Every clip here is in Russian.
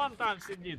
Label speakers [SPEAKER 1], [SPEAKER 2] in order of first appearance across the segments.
[SPEAKER 1] вон там сидит.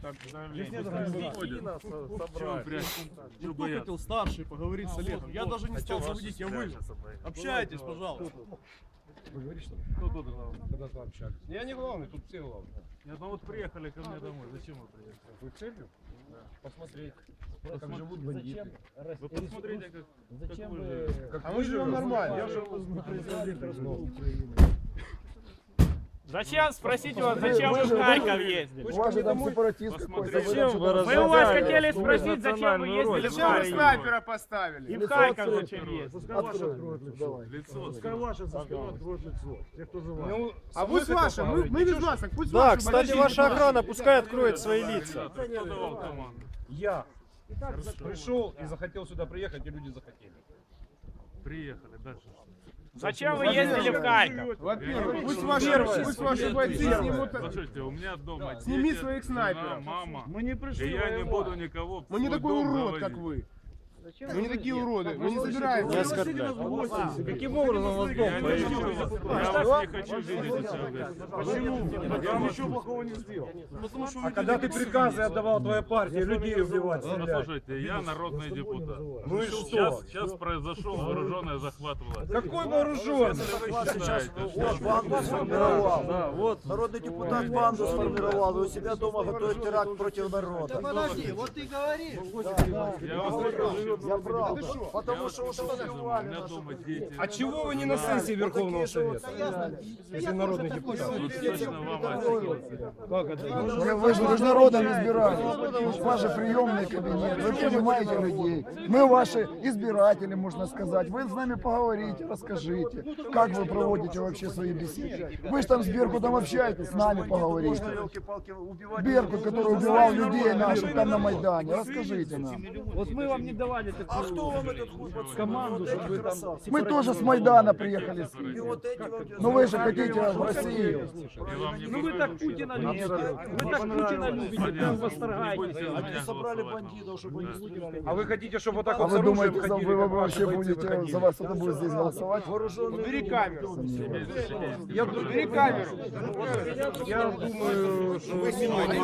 [SPEAKER 2] Выкатил старший поговорить с Олегом. Я даже не стал заводить, я вылез. Общайтесь, пожалуйста.
[SPEAKER 3] Вы говорите, что
[SPEAKER 2] Кто тут главный?
[SPEAKER 3] когда-то общались? Я не главный, тут все главные.
[SPEAKER 2] Нет, ну вот приехали ко мне домой. Зачем вы приехали?
[SPEAKER 3] Вы целью? Да. Посмотреть, как живут бандиты.
[SPEAKER 2] Вы посмотрите, как
[SPEAKER 4] Зачем
[SPEAKER 2] вы
[SPEAKER 4] вы...
[SPEAKER 2] живете.
[SPEAKER 3] А мы живем нормально.
[SPEAKER 4] Я живу с президентом Украины.
[SPEAKER 1] Зачем? Спросите вас, зачем вы в Харьков ездили?
[SPEAKER 3] У вас же там сепаратист какой-то.
[SPEAKER 1] Мы у вас хотели спросить, зачем вы ездили в
[SPEAKER 5] Зачем вы
[SPEAKER 1] Харьков?
[SPEAKER 5] снайпера поставили?
[SPEAKER 1] И в Харьков зачем ездили?
[SPEAKER 4] Пускай ваши откроют лицо.
[SPEAKER 2] Лицо.
[SPEAKER 4] Пускай ваши со спины откроют лицо. Те, кто за вами.
[SPEAKER 5] А пусть ваши, мы без вас, пусть
[SPEAKER 6] Да,
[SPEAKER 5] ваши.
[SPEAKER 6] кстати, ваша охрана пускай откроет свои лица.
[SPEAKER 2] Кто давал команду?
[SPEAKER 3] Я пришел и захотел сюда приехать, и люди захотели.
[SPEAKER 2] Приехали, дальше.
[SPEAKER 1] Зачем вы ездили в Харьков?
[SPEAKER 5] Во-первых, пусть ваши бойцы снимут.
[SPEAKER 2] Слушайте, у меня дома
[SPEAKER 5] Сними
[SPEAKER 2] дети,
[SPEAKER 5] своих
[SPEAKER 2] жена,
[SPEAKER 5] снайперов.
[SPEAKER 2] мама.
[SPEAKER 4] Мы не пришли
[SPEAKER 2] И я не
[SPEAKER 4] воевать.
[SPEAKER 2] буду никого в
[SPEAKER 5] Мы не
[SPEAKER 2] свой
[SPEAKER 5] такой
[SPEAKER 2] дом
[SPEAKER 5] урод,
[SPEAKER 2] заводить.
[SPEAKER 5] как вы. Мы не такие уроды, мы не собираемся.
[SPEAKER 6] Не оскорбляй.
[SPEAKER 4] Каким образом вас дом
[SPEAKER 2] Я вас не хочу видеть у себя в гостях.
[SPEAKER 4] Почему? Я вам ничего плохого не сделал.
[SPEAKER 3] А когда ты приказы отдавал твоя партия, людей убивать,
[SPEAKER 2] Ну,
[SPEAKER 3] стрелять?
[SPEAKER 2] слушайте, я народный депутат.
[SPEAKER 3] Ну и что?
[SPEAKER 2] Сейчас произошел вооруженный захват власти.
[SPEAKER 3] Какой вооруженный?
[SPEAKER 6] Да, вот. Народный депутат банду сформировал, вы у себя дома готовит теракт против народа.
[SPEAKER 7] Подожди, вот ты говоришь.
[SPEAKER 2] Я вас прекрасно.
[SPEAKER 6] Я прав. Потому что уже
[SPEAKER 2] У
[SPEAKER 6] взорвали
[SPEAKER 2] меня
[SPEAKER 6] нашу...
[SPEAKER 2] дома дети.
[SPEAKER 3] А чего вы не на сессии Верховного Совета? Если народный депутат.
[SPEAKER 2] Точно вам ответил.
[SPEAKER 3] Как это?
[SPEAKER 8] Вы же народом избирали. Ваш же приемный кабинет. Вы понимаете людей. Мы ваши избиратели, можно сказать. Вы с нами поговорите, расскажите, как вы проводите вообще свои беседы. Вы же там с Беркутом общаетесь, с нами поговорите. Беркут, который убивал людей наших там на Майдане. Расскажите нам.
[SPEAKER 4] Вот мы вам не давали такую команду, чтобы вы там...
[SPEAKER 8] Мы тоже с Майдана приехали с Киева. Но вы же хотите в Россию.
[SPEAKER 2] И вам не
[SPEAKER 4] Ну вы так Путина любите. Вы так Путина любите, вы восторгаетесь.
[SPEAKER 2] Они
[SPEAKER 6] собрали бандитов, чтобы они выиграли.
[SPEAKER 3] А вы хотите, чтобы вот так
[SPEAKER 8] А
[SPEAKER 3] вот с
[SPEAKER 8] вы
[SPEAKER 3] оружием
[SPEAKER 8] думаете,
[SPEAKER 3] ходили?
[SPEAKER 8] вы
[SPEAKER 3] как
[SPEAKER 8] вообще
[SPEAKER 3] ваши бойцы
[SPEAKER 8] будете,
[SPEAKER 3] выходили?
[SPEAKER 8] за вас кто-то будет здесь голосовать?
[SPEAKER 5] Убери камеру.
[SPEAKER 3] Я убери камеру. Я думаю, что...
[SPEAKER 7] Вы снимайте,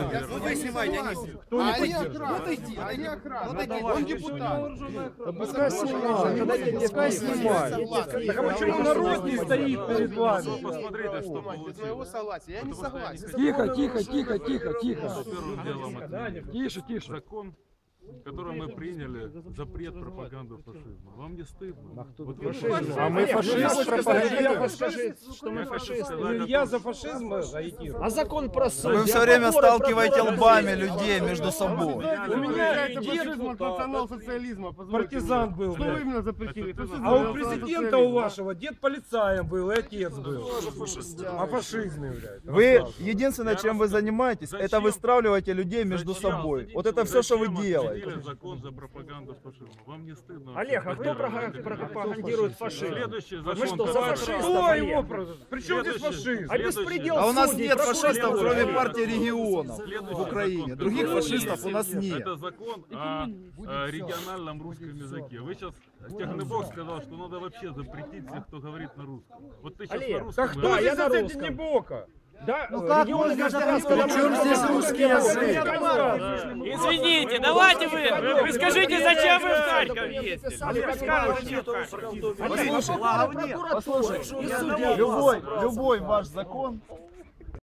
[SPEAKER 5] Кто не поддержит? Они охрана. Он депутат.
[SPEAKER 3] Пускай снимает. Пускай снимает. Так а почему народ не стоит перед вами?
[SPEAKER 2] посмотрите, что
[SPEAKER 5] Без
[SPEAKER 2] получилось.
[SPEAKER 5] моего согласия. Я не согласен.
[SPEAKER 8] Тихо, тихо, тихо, тихо, тихо.
[SPEAKER 2] Первым делом это
[SPEAKER 8] Тише, тише.
[SPEAKER 2] закон, который мы приняли, запрет пропаганды фашизма. Вам не стыдно? Вот вы
[SPEAKER 3] А мы фашист пропагандируем.
[SPEAKER 4] Что мы фашисты.
[SPEAKER 3] Я за фашизм агитирую.
[SPEAKER 4] А закон про суд?
[SPEAKER 6] Вы все время сталкиваете лбами людей между собой.
[SPEAKER 5] У меня это фашизм от национал-социализма.
[SPEAKER 3] Партизан был.
[SPEAKER 5] Что вы именно запретили?
[SPEAKER 3] А у президента у вашего дед полицаем был, и отец был. А фашизм является.
[SPEAKER 6] Вы единственное, чем вы занимаетесь, это выстравливаете людей между собой. Вот это все, что вы делаете.
[SPEAKER 2] Закон за пропаганду фашизма. Вам не стыдно?
[SPEAKER 4] Олег, а кто пропагандирует фашизм?
[SPEAKER 2] Следующий
[SPEAKER 4] Вы
[SPEAKER 2] закон,
[SPEAKER 4] что, за
[SPEAKER 2] который-
[SPEAKER 4] фашистов,
[SPEAKER 3] Что
[SPEAKER 4] Олег?
[SPEAKER 3] его? Причем здесь фашизм?
[SPEAKER 4] А беспредел
[SPEAKER 6] А у нас
[SPEAKER 4] судей,
[SPEAKER 6] нет фашистов,
[SPEAKER 4] прокуратуры.
[SPEAKER 6] кроме партии регионов
[SPEAKER 2] Следующий
[SPEAKER 6] в Украине.
[SPEAKER 2] закон,
[SPEAKER 6] Других
[SPEAKER 2] который
[SPEAKER 6] фашистов
[SPEAKER 2] есть,
[SPEAKER 6] у нас нет.
[SPEAKER 2] Это закон о региональном русском языке. Вы сейчас, Технобок сказал, что надо вообще запретить всех, кто говорит на русском. Вот ты сейчас
[SPEAKER 4] Олег,
[SPEAKER 2] на русском.
[SPEAKER 3] Так кто
[SPEAKER 4] Да, я
[SPEAKER 3] здесь
[SPEAKER 4] на
[SPEAKER 3] ответит
[SPEAKER 4] русском.
[SPEAKER 3] не Бока?
[SPEAKER 4] Да,
[SPEAKER 6] как
[SPEAKER 4] регионы
[SPEAKER 6] можно
[SPEAKER 4] гражданского
[SPEAKER 6] сказать, при чем здесь русский язык?
[SPEAKER 1] Извините, давайте вы скажите, зачем вы в Харьков ездили?
[SPEAKER 6] Послушайте, любой ваш закон